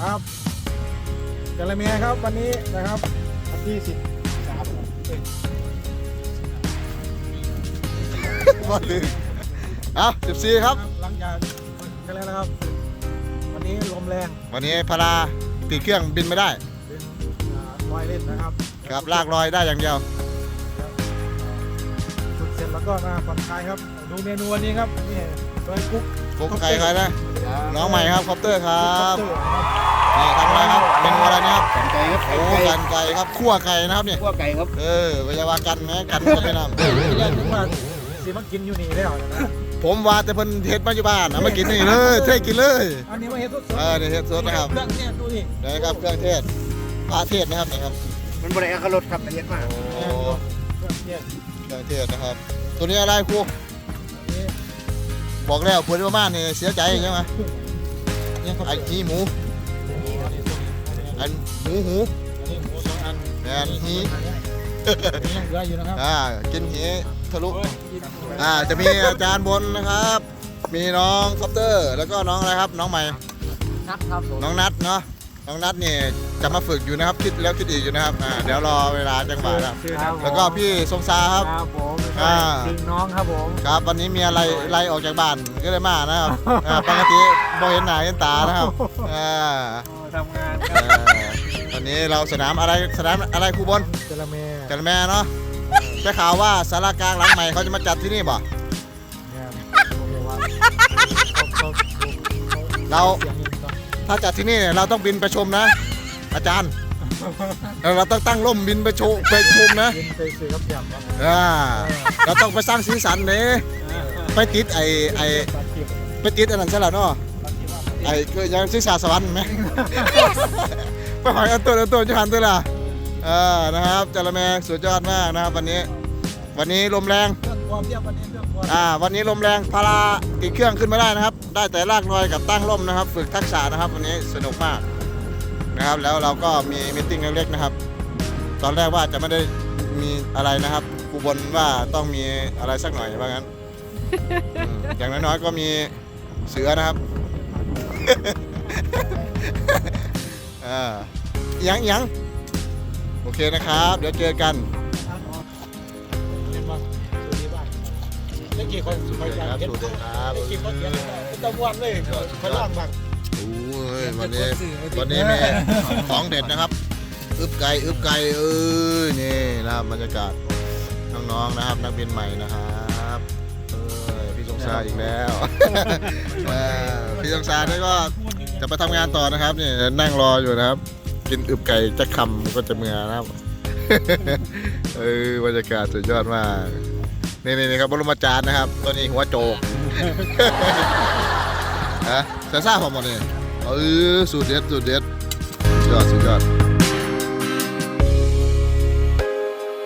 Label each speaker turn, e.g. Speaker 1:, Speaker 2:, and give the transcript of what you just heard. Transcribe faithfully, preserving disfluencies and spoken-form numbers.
Speaker 1: ครับกะละแมครับวันนี้นะครับวันที่สิบสามเอ้ย
Speaker 2: บอลลืมเอ้าสิบสี่ครับ
Speaker 1: หลังจากกันแล้วนะครับ วันนี้ลมแรง
Speaker 2: วันนี้พาราติดเครื่องบินไม่ได้
Speaker 1: เป็นลอยเล่นนะครับ
Speaker 2: ครับลากลอยได้อย่างเดียว
Speaker 1: ฝึกเสร็จแล้วก็มาผ่อนคลายครับดูเมนูวันนี้ครับนี่โดยกุ๊ก
Speaker 2: กุ๊กไก่ใครนะ น้องใหม่ครับคอปเตอร์ครั
Speaker 1: ครับ บ
Speaker 2: นี่ทำอะไรครับเมนูอะไรนะครับ
Speaker 3: กันไก่ครับ
Speaker 2: โอ้กันไก่ครับคั่วไก่นะครับเนี่ย
Speaker 3: ขั้วไก่ครับ
Speaker 2: เออพยาบากันไหมกันก็ไม่นำ
Speaker 1: ที่แรกคิดว่าสิมากินอยู่นี่แล้วนะ
Speaker 2: ผมว่าแต่เพิ่นเฮ็ดมาอยู่บ้านเอามากินนี่เลยเทกินเลย
Speaker 1: อันนี้มาเฮ็ดสด
Speaker 2: เออนี่เฮ็ดสดนะครับ
Speaker 1: เครื่องเนี่ยดูนี่
Speaker 2: นะครับเครื่องเทศปลาเทศนะครับนี่ครับ
Speaker 3: มันบริการรถครับละเอียดมาก
Speaker 2: โอ้
Speaker 1: เครื่องเนี่ย
Speaker 2: เครื่องเทศนะครับ ตัวนี้อะไรครู
Speaker 1: อันนี้
Speaker 2: บอกแล้วพูดว่าบ้านนี่เสียใจใช่ไหม
Speaker 1: เนี่ยเขา
Speaker 2: ไอ้หีหมู
Speaker 1: อันนี้
Speaker 2: อันหมูหู
Speaker 1: หมูสองอัน
Speaker 2: แมนหี
Speaker 1: นี่ยังเหลืออยู่นะครับ
Speaker 2: อ่ากินหีทะลุอ่าจะมีอาจารย์บนนะครับ มีน้องคอปเตอร์ แล้วก็น้องอะไรครับ น้องใหม่
Speaker 1: นัดครับผม
Speaker 2: น้องนัทเนาะน้องนัทนี่จะมาฝึกอยู่นะครับคิดแล้วคิดอีกอยู่นะครับอ่าเดี๋ยวรอเวลาจังหวะนะครับแล้วก็พี่ทรงซาครับ
Speaker 1: ครับผม
Speaker 2: อ่า
Speaker 1: ดึงน้องครับผม
Speaker 2: ครับวันนี้มีอะไรไล่ออกจากบ้านก็เลยมานะครับอ่าปกติบ่เห็นหน้าเห็นตานะครับอ่า
Speaker 1: ทำงาน
Speaker 2: เอ่อวันนี้เราสนามอะไรสนามอะไรครูบน
Speaker 1: จระเม
Speaker 2: จันแม่เนาะได้ข่าวว่าสารากลางหลังใหม่เขาจะมาจัดที่นี่บ่
Speaker 1: เนี่ยผมบอกว่าเขาเขา
Speaker 2: เรา
Speaker 1: เสียงเงินต้อง
Speaker 2: ถ้าจัดที่นี่เราต้องบินไปชมนะ อาจารย์เราต้องตั้งร่มบินไปชมไปชมนะ
Speaker 1: ยินไปซื้อกับยำครับ
Speaker 2: อ่าเราต้องไปสร้างสีสันเลยไปติดไอไอ
Speaker 1: ตัดคลิป
Speaker 2: ไปติดอันนั้นใช่หรอเนาะ
Speaker 1: ตัดคลิปว่า
Speaker 2: ไอคือยังศีรษะสวรรค์ไหมไปหอยอันตัวอันตัวจะหันตัวละเออนะครับจระแมสุดยอดมากนะครับวันนี้ วันนี้ลมแรง
Speaker 1: เรื่องความเรียบวันนี้เรื่องความ
Speaker 2: อ่าวันนี้ลมแรงพาราติดเครื่องขึ้นไม่ได้นะครับ ได้แต่ลากลอยกับตั้งร่มนะครับ ฝึกทักษะนะครับ วันนี้สนุกมากนะครับ แล้วเราก็มีมิทติ้งเล็กๆนะครับ ตอนแรกว่าจะไม่ได้มีอะไรนะครับครูบนว่าต้องมีอะไรสักหน่อยว่างั้นอืมอย่างน้อยๆก็มีเสือนะครับ อ่ายังยังโอเคนะครับ เดี๋ยวเจอกัน
Speaker 1: เรียนมาสูดีบ้างเมื่อกี้คนสุด
Speaker 2: ค
Speaker 1: ยอ
Speaker 2: รับ
Speaker 1: ดเห็น
Speaker 2: สวัสดีครับ
Speaker 1: เมื่อกี้คนเขียนตะวันเลยคนล่างบ้าง
Speaker 2: โอ้ยวันนี้วันนี้มีของเด็ดนะครับ อึบไก่อึบไก่เอ้ยนี่นะครับบรรยากาศน้องๆนะครับ นักบินใหม่นะครับเอ้ยพี่สงสารอีกแล้ว เออพี่สงสารนี่ก็จะไปทำงานต่อนะครับนี่นั่งรออยู่นะครับ กินอึบไก่จะคำก็จะเมื่อนะครับ เออบรรยากาศสุดยอดมากนี่นี่นี่ครับบรมจารย์นะครับตัวนี้หัวโจก ฮะแต่ซ่าผมหมดเลยเออสูตรเด็ดสูตรเด็ดสุดยอดสุดยอด